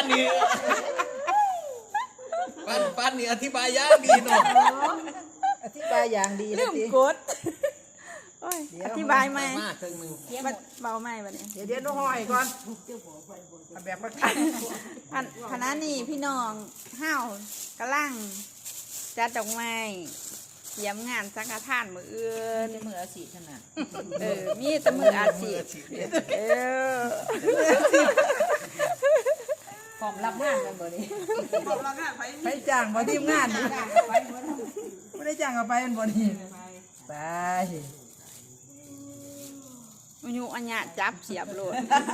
นี่ปันนี่อธิบายยางดีเนาะอธิบายอย่างดีเรื่องกดโอ้ยอธิบายไหมเบาไหมบัดนี้เดี๋ยวน้องห้อยก่อนแบบประกันคณะนี้พี่น้องห้าวกำลังจัดดอกไม้เตรียมงานสังฆทานมื้ออื่นมืออาชีพขนาดมีแต่มืออาชีพพร้อมรับงานกันบ่นี่พร้อมรับงานไปจ้างบ่ทีมงานไม่ได้จ้างเอาไปมันบ่นี่ไปมันอยู่อัญญาจับเสียบโลด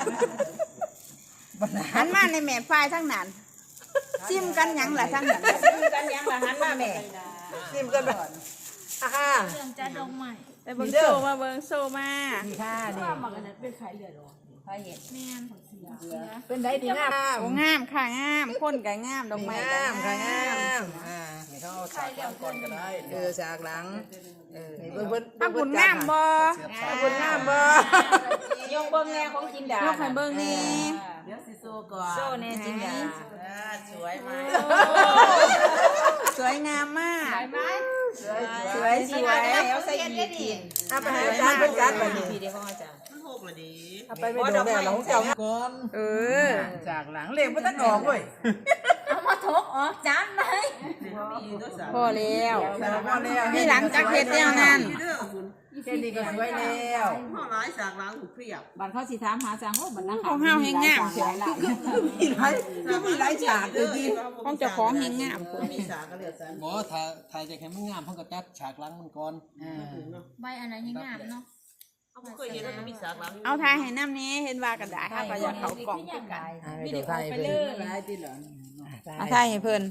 หันมาในแม่ฝ่ายทั้งนั้นซิมกันยังล่ะทั้งนั้นซิมกันยังล่ะหันมาแม่ซิมกันบ่ค่ะเรื่องจัดดอกไม้แต่เบิ่งโซมาเบิ่งโซมานี่ค่ะนี่มันก็เป็นไข่เลือดหรอไข่เห็ดแม่นเป็นได้ดีงามโอ้งามค่ะงามคนก็งามดอกไม้ก็งามค่ะงามให้เขาฉากหลังก่อนก็ได้ฉากหลังถ้าคุณงามบ่คุณงามบ่ยกเบิ่งแน่ของจินดายกให้เบิ่งนี่เดี๋ยวสิโซก่อนโซแน่จินดาสวยไหมสวยงามมากสวยแล้วใส่อีกเอาไปให้อาจารย์เป็นการแบบนี้พี่เดี๋ยวของอาจารย์มันหกเลยดีเอาไปไม่โดนแล้วหลังเจ้าก่อนจากหลังเล็กไม่ต้องออกเว้ยเอามาทกออกจานไหมพอแล้วนี่หลังจากเฮ็ดแล้วนั่นแค่นี้ก็สวยแล้วห้องร้ายจากล้างหูเพียบบัดเขาสิถามหาจางโหบัดนั้นของเฮาแฮงงามเสียมีหลายฉากเลยดิของเจ้าของแฮงงามมีฉากก็เหลือจันบ่ถ่ายจากให้มันงามเพิ่นก็จัดฉากหลังมันก่อนใบอะไรแฮงงามเนาะเคยเห็นแล้วมีฉากล้างเอาถ่ายให้น้ำนี้เห็นว่ากันได้ถ้าก็อยากเข้ากล่องคือกันวิดีโอไปเลยหลายติเหรอเอาถ่ายให้เพิ่น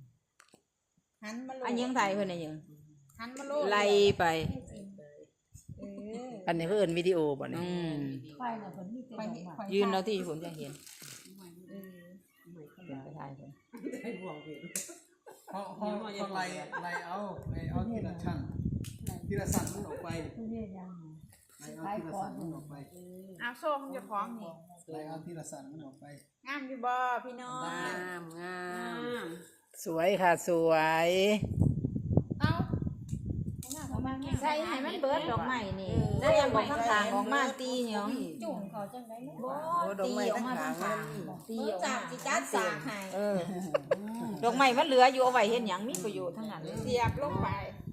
อันยังถ่ายเพิ่นได้ยังไล่ไปอันนี้เพิ่นวิดีโอบ่นี่ยืนแล้วที่ผมจะเห็นไปถ่ายเพิ่นเขาไล่เอาทีละชั้นทีละสั่นมันออกไปไล่เอาทีละสั่นมันออกไปเอาโซ่ของเจ้าของนี่ไล่เอาทีละสั่นมันออกไปงามอยู่บ่พี่น้องงามสวยค่ะสวยเอาใส่ให้มันเบิดดอกไม้นี่แล้วยังบอกข้างๆออกมาตีหยังจุ่มเขาจังได๋บ่ดอกไม้ข้างๆตีออกมาสิจัดสากให้ดอกไม้มันเหลืออยู่เอาไว้เฮ็ดหยังมีประโยชน์ทั้งนั้นเสียบลงไป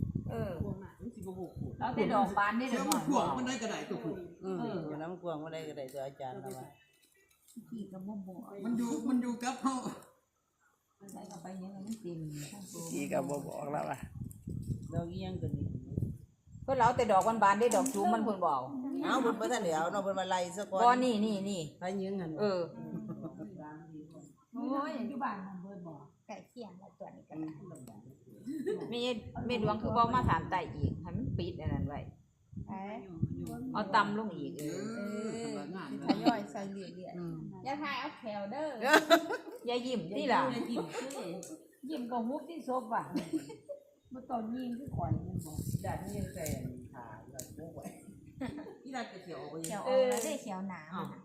แล้วแต่ดอกบานนี่เด้อมันพวงมันได้กระไดตัวผู้น้ำกวางบ่ได้ก็ได้ตัวอาจารย์ว่าพี่ก็บ่บอกมันอยู่กับเฮาใส่เข้าไปยังมันเต็มพี่ก็บ่บอกแล้วว่าดอกอีหยังก็นี่เพิ่นเอาแต่ดอกบานๆได้ดอกจูมมันเพิ่นบ่เอาเพิ่นบ่ทันได้เอาเนาะเพิ่นมาไล่ซะก่อนบ่นี่ไปยิงหั่นโอ้ยอยู่บ้านมันเพิ่นบ่ไก่เคียงแล้วตัวนี้ก็มีดวงคือบ่มาถามไตอีกให้มันปิดอันนั้นไว้เอาตำลงอีกทยอยใส่เรื่อยๆอย่าทายเอาแถวเด้ออย่ายิ้มที่ล่ะยิ้มก็มุกที่ซบว่ะบ่ต้องยิ้มคือข่อยมันบ่ดัดนี่ยังใส่ขาแล้วบ่ไหวที่ดัดเขียวเขียวแล้วได้เขียวหนา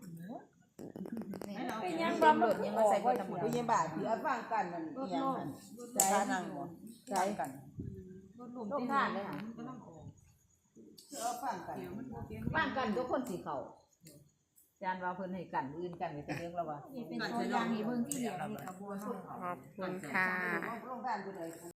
เป็นยังบ่หลุดยังมาใส่บ่ทั้งหมดยังบาดที่เอาฟังกันนั่นอีหยังหั่นใส่นั่งบ่ใส่กันลงทานเลยค่ะก็ต้องออกฟังกันทุกคนสิเข้าจานว่าเพิ่นให้กันอื่นกันไปเรื่องแล้วว่าเป็นตัวอย่างให้เบิ่งที่เดียวนี่กระบวนขอบคุณค่ะ